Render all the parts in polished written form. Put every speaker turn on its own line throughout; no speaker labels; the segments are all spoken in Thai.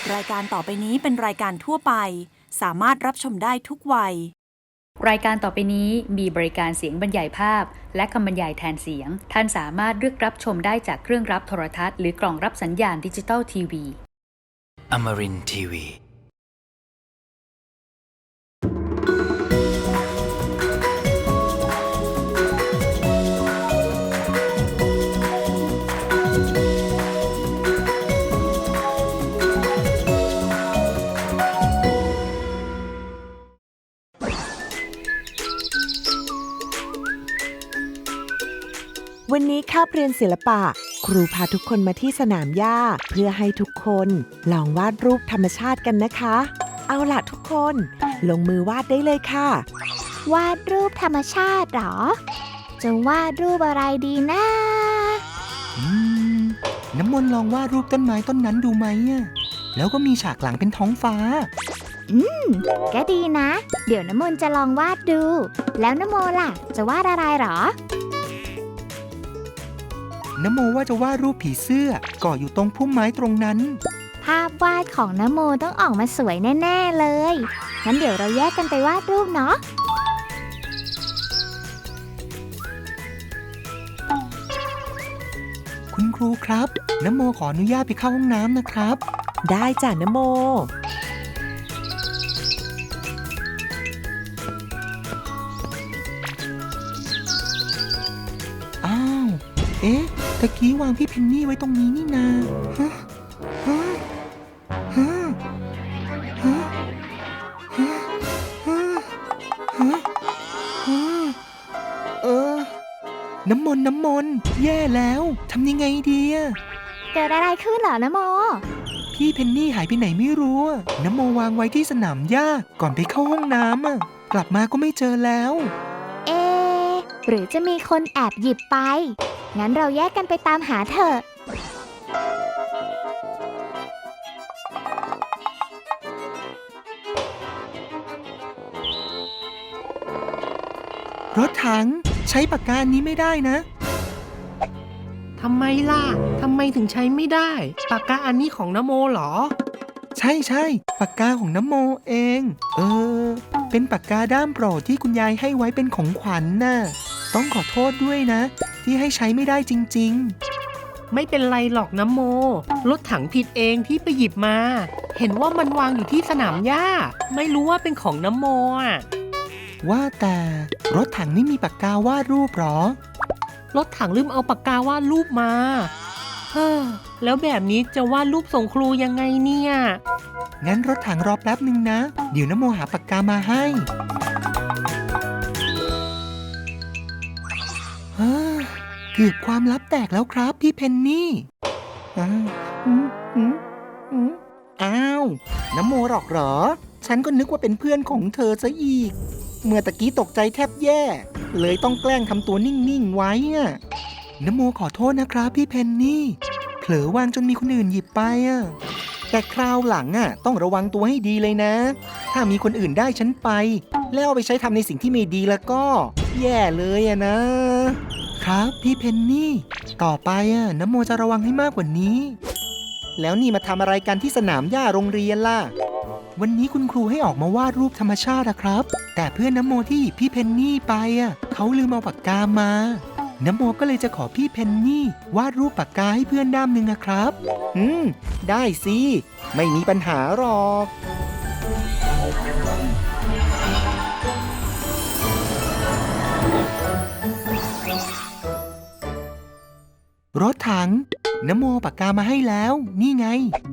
รายการต่อไปนี้เป็นรายการทั่วไปสามารถรับชมได้ทุกวัย
รายการต่อไปนี้มีบริการเสียงบรรยายภาพและคำบรรยายแทนเสียงท่านสามารถเลือกรับชมได้จากเครื่องรับโทรทัศน์หรือกล่องรับสัญญาณดิจิตอลทีวี
Amarin Tiwi
วันนี้คาบเรียนศิลปะครูพาทุกคนมาที่สนามหญ้าเพื่อให้ทุกคนลองวาดรูปธรรมชาติกันนะคะ เอาล่ะทุกคนลงมือวาดได้เลยค่ะ
วาดรูปธรรมชาติหรอจะวาดรูปอะไรดีนะ
น้ำมนต์ลองวาดรูปต้นไม้ต้นนั้นดูไหมแล้วก็มีฉากหลังเป็นท้องฟ้า
ก็ดีนะเดี๋ยวน้ำมนต์จะลองวาดดูแล้วน้ำโมล่ะจะวาดอะไรหรอ
น้ำโมว่าจะวาดรูปผีเสื้อเกาะอยู่ตรงพุ่มไม้ตรงนั้น
ภาพวาดของน้ำโมต้องออกมาสวยแน่ๆเลยงั้นเดี๋ยวเราแยกกันไปวาดรูปเนาะ
คุณครูครับน้ำโมขออนุญาตไปเข้าห้องน้ำนะครับ
ได้จ้ะน้ำโม
อ้าวตะกี้วางพี่เพนนี่ไว้ตรงนี้นี่นาน้ำมนต์แย่แล้วทำยังไงดี
เกิดอะไรขึ้นเหรอน้ำโม
พี่เพนนี่หายไปไหนไม่รู้น้ำโมวางไว้ที่สนามหญ้าก่อนไปเข้าห้องน้ำกลับมาก็ไม่เจอแล้ว
หรือจะมีคนแอบหยิบไปงั้นเราแยกกันไปตามหาเถอะ
รถถังใช้ปากกานี้ไม่ได้นะ
ทำไมล่ะทำไมถึงใช้ไม่ได้ปากกาอันนี้ของนโมเหรอ
ใช่ปากกาของน้ำโมเองเป็นปากกาด้ามโปรดที่คุณยายให้ไว้เป็นของขวัญน่ะต้องขอโทษด้วยนะที่ให้ใช้ไม่ได้จริง
ๆไม่เป็นไรหรอกน้ำโมรถถังผิดเองที่ไปหยิบมาเห็นว่ามันวางอยู่ที่สนามหญ้าไม่รู้ว่าเป็นของน้ำโม
ว่าแต่รถถังไม่มีปากกาวาดรูปหรอ
รถถังลืมเอาปากกาวาดรูปมาแล้วแบบนี้จะวาดรูปส่งครูยังไงเนี่ย
งั้นรถถังรอแป๊บนึงนะเดี๋ยวน้ำโมหาปากกามาให้เกือบความลับแตกแล้วครับพี่เพนนี่อ้าวน้ำโมหรอกเหรอฉันก็นึกว่าเป็นเพื่อนของเธอซะอีกเมื่อตะกี้ตกใจแทบแย่เลยต้องแกล้งทำตัวนิ่งๆไว้น้ำโมขอโทษนะครับพี่เพนนี่เผลอวางจนมีคนอื่นหยิบไปแต่คราวหลังต้องระวังตัวให้ดีเลยนะถ้ามีคนอื่นได้ฉันไปแล้วเอาไปใช้ทำในสิ่งที่ไม่ดีแล้วก็แย่เลยนะครับพี่เพนนี่ต่อไปน้ำโมจะระวังให้มากกว่านี้แล้วนี่มาทำอะไรกันที่สนามหญ้าโรงเรียนล่ะวันนี้คุณครูให้ออกมาวาดรูปธรรมชาติครับแต่เพื่อนน้ำโมที่พี่เพนนี่ไปเขาลืมเอาปากกามาน้ำโมก็เลยจะขอพี่เพนนี่วาดรูปปากกาให้เพื่อนด้ามหนึ่งครับได้สิไม่มีปัญหาหรอกรถถังน้ำโมปากกามาให้แล้วนี่ไง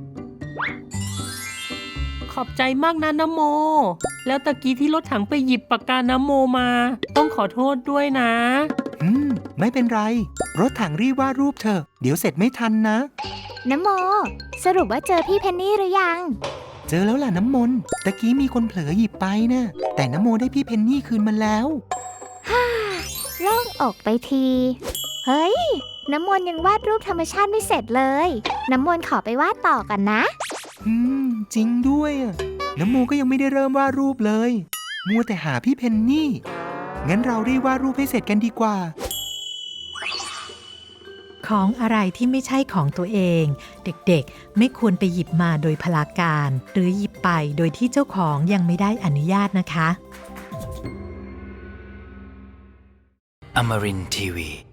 ขอบใจมากนะน้ำโมแล้วตะกี้ที่รถถังไปหยิบปากกาน้ำโมมาต้องขอโทษด้วยนะ
ไม่เป็นไรรถถังรีบวาดรูปเถอะเดี๋ยวเสร็จไม่ทันนะ
น้ำโมสรุปว่าเจอพี่เพนนี่หรือยัง
เจอแล้วล่ะน้ำมนต์ตะกี้มีคนเผลอหยิบไปนะแต่น้ำโมได้พี่เพนนี่คืนมาแล้ว
โล่งอกไปทีเฮ้ยน้ำมนต์ยังวาดรูปธรรมชาติไม่เสร็จเลยน้ำมนต์ขอไปวาดต่อกันนะ
จริงด้วยน้ำโมก็ยังไม่ได้เริ่มวาดรูปเลยมัวแต่หาพี่เพนนี่งั้นเรารีบวาดรูปให้เสร็จกันดีกว่า
ข
ของอะไรที่ไม่ใช่ของตัวเองเด็กๆไม่ควรไปหยิบมาโดยพลาการหรือหยิบไปโดยที่เจ้าของยังไม่ได้อนุญาตนะคะ
Amarin Tiwi